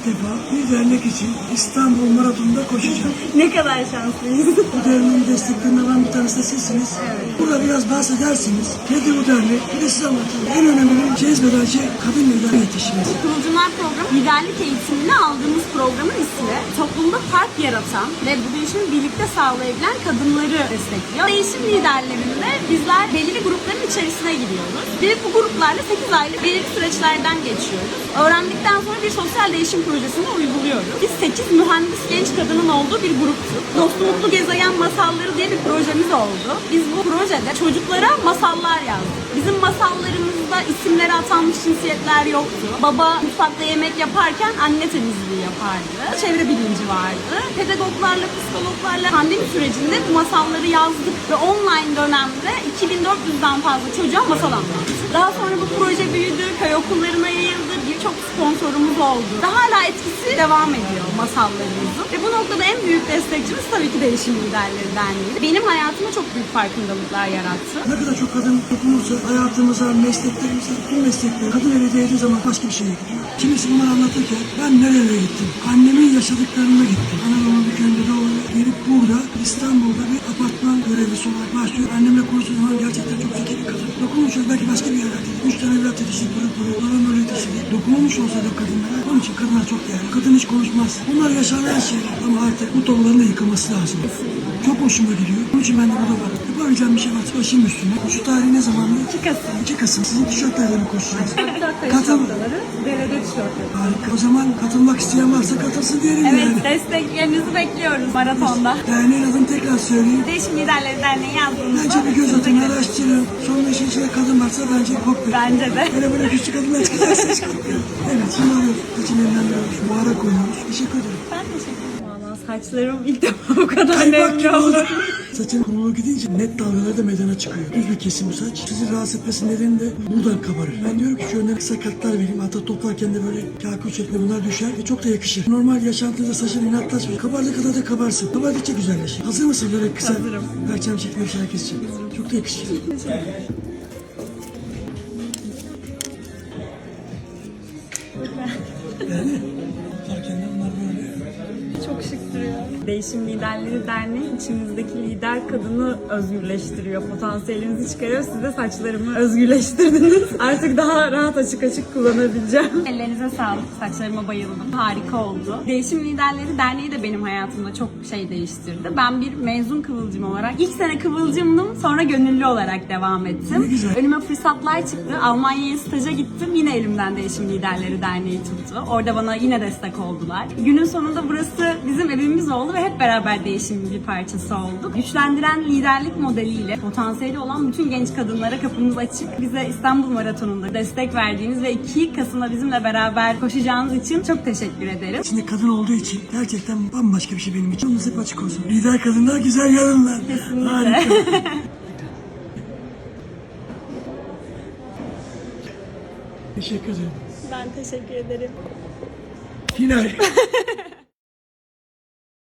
defa bir dernek için İstanbul Maratonu'nda koşacağım. Ne kadar şanslıyız. Bu derneğin desteklerini alan bir tanesi de sizsiniz. Evet. Burada biraz bahsedersiniz. Nedir bu dernek? Bir de size anlatayım. En önemli cezbeden şey kadın lider yetişmesi. Kıvılcımlar programı liderlik eğitimini aldığımız programın ismi toplumda fark yaratan ve bu değişimi birlikte sağlayabilen kadınları destekliyor. Değişim liderlerinde bizler belirli grupların içerisine giriyoruz. Ve bu gruplarla 8 aylık belirli süreçlerden geçiyoruz. Öğrendikten sonra bir sosyal değişim projesini uyguluyoruz. Biz 8 mühendis genç kadının olduğu bir gruptuk. Dost Mutlu Gezegen Masalları diye bir projemiz oldu. Biz bu projede çocuklara masallar yazdık. Bizim masallarımızda isimleri atanmış cinsiyetler yoktu. Baba mutfakta yemek yaparken anne temizliği yapardı. Çevre bilinci vardı. Pedagoglarla, psikologlarla pandemi sürecinde bu masalları yazdık ve online dönemde 2400'den fazla çocuğa masal anlattık. Daha sonra bu proje büyüdü, köy okullarına yayıldı, birçok sponsorumuz oldu. Daha hala etkisi devam ediyor masallarımızın. Ve bu noktada en büyük destekçimiz tabii ki Değişim Liderleri Derneği. Benim hayatıma çok büyük farkındalıklar yarattı. Ne kadar çok kadın dokunursa hayatımıza, mesleklerimize, tüm meslekler kadın eli değdiği zaman başka bir şeye gidiyor. Kimisi bunları anlatırken ben nereye gittim? Annemin yaşadıklarına gittim. Anadolu'nun bir köyünde doğru gelip burada İstanbul'da bir apartman görevlisi olarak başlıyor. Annemle konuştuğu zaman gerçekten çok zeki bir kadın. Dokunmuşuz belki başka bir yerlerde. 3 tane evlat yetiştirdi, pırıl pırıl. Bana böyle yetiştirdi. Dokunulmuş olsa da kadınlara. Onun için kadınlar çok değerli. Kadın hiç konuşmaz. Bunlar yaşanan şeyler ama artık bu tabloların da yıkılması lazım. Çok hoşuma gidiyor. Onun için ben de burada varım. Yapabileceğim bir şey var. Başım üstüne. Şu tarih ne zaman? 2 Kasım. 2 Kasım. Sizin tişörtlerle mi koşacağız? Katıl. Belediye tişörtleri. Harika. O zaman katılmak isteyen varsa katılsın diyelim Evet, yani. desteklerinizi bekliyoruz maratonda. Derneğin adını tekrar söyleyeyim. Değişim Liderleri Derneği yazdığımızda. Bence bir göz atın, araştırın. Sonra işin içinde kadın varsa bence korkmayın. Bence de. Böyle küçük kadınlar çıkacaksa hiç korkmayın. Evet, şimdi arıyoruz. Seçimlerinden biriyoruz. Buhara koyuyoruz. Teşekkür ederim. Ben teşekkür ederim. Valla saçlarım ilk defa bu kadar Kaymak nemli gibi oldu. oldu. Saçın kurulu gidince net dalgaları da meydana çıkıyor. Düz bir kesim bu saç. Sizi rahatsız etmesi nedeni de buradan kabarır. Ben diyorum ki şu önüne kısa katlar vereyim. Hatta toplarken de böyle kakül şeklinde bunlar düşer ve çok da yakışır. Normal yaşantınızda saçın inatlaşmıyor. Kabardığı kadar da kabarsın. Kabardıkça güzelleşir. Hazır mısın böyle kısa? Hazırım. Perçem şeklinde bir şeyler keseceğim. Çok da yakışır. Yani farkında bunlar böyle. Çok şık duruyor. Değişim Liderleri Derneği içimizdeki lider kadını özgürleştiriyor. Potansiyelinizi çıkarıyor. Siz de saçlarımı özgürleştirdiniz. Artık daha rahat açık açık kullanabileceğim. Ellerinize sağlık. Saçlarıma bayıldım. Harika oldu. Değişim Liderleri Derneği de benim hayatımda çok şey değiştirdi. Ben bir mezun kıvılcım olarak ilk sene kıvılcımdım. Sonra gönüllü olarak devam ettim. Ne güzel. Önüme fırsatlar çıktı. Almanya'ya staja gittim. Yine elimden Değişim Liderleri Derneği tuttu. Orada bana yine destek oldular. Günün sonunda burası bizim evimiz oldu ve hep beraber değişimin bir parçası olduk. Güçlendiren liderlik modeliyle potansiyeli olan bütün genç kadınlara kapımız açık. Bize İstanbul Maratonu'nda destek verdiğiniz ve 2 Kasım'da bizimle beraber koşacağınız için çok teşekkür ederim. İçinde kadın olduğu için gerçekten bambaşka bir şey benim için. Yolunuz hep açık olsun. Lider kadınlar, güzel yarınlar. Kesinlikle. Harika. Teşekkür ederim. Ben teşekkür ederim. Final.